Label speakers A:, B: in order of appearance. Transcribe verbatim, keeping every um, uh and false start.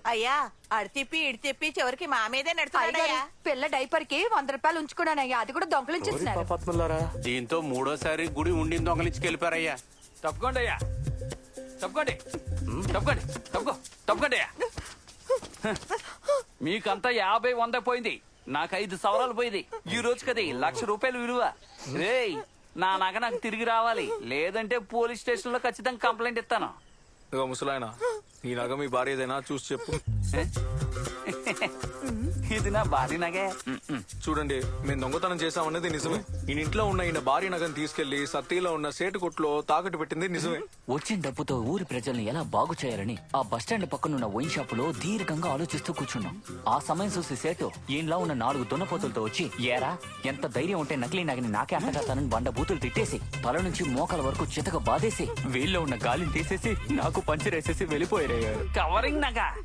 A: అయ్యా అడి తిప్పి ఇడి తిప్పి చివరికి మా మీదే నడుతున్నాడయ్యా.
B: పిల్ల డైపర్ కి వంద రూపాయలు ఉంచుకున్నానయ్యా, అది కూడా దొంగలించేస్తున్నారు.
C: దీంతో మూడోసారి గుడి ఉండి దొంగలించి వెళ్ళిపోయారయ్యా.
D: తప్పుకోండి అయ్యా, తప్పుకోండి తప్పుకోండి తప్పుకో తప్పుకోండి అయ్యా. మీకంతా యాభై వంద పోయింది, నాకు ఐదు సవరాలు పోయింది. ఈ రోజు కది లక్ష రూపాయలు విలువ. రేయ్, నా నగ నాకు తిరిగి రావాలి, లేదంటే పోలీస్ స్టేషన్ లో ఖచ్చితంగా కంప్లైంట్ ఇస్తాను.
E: ఇదిగో ముసలాయన, ఈ నగ మీ భార్య ఏదైనా చూసి చెప్పు.
D: ఇది నా భారీ నగే.
E: చూడండి, మేము దొంగతనం చేశామన్నది నిజమే. ఈయన ఇంట్లో ఉన్న ఈయన భార్య నగను తీసుకెళ్లి సత్తిలో ఉన్న సేటు కొట్లో తాకట్టు పెట్టింది నిజమే.
F: వచ్చిన డబ్బుతో ఊరి ప్రజల్ని ఎలా బాగు చేయాలని ఆ బస్టాండ్ పక్కనున్న వైన్ షాప్ లో దీర్ఘంగా ఆలోచిస్తూ కూర్చున్నాం. ఆ సమయం చూసి సేటు ఈయనలా ఉన్న నాలుగు దున్నపోతులతో వచ్చి, ఏరా ఎంత ధైర్యం ఉంటే నకిలీ నగని నాకే అంటగడతానని బండ బూతులు తిట్టేసి తల నుంచి మోకాల వరకు చితక బాధేసి వీళ్ళలో ఉన్న గాలిని తీసేసి నాకు పంచరేసేసి వెళ్ళిపోయారు.
D: కవరింగ్ నగ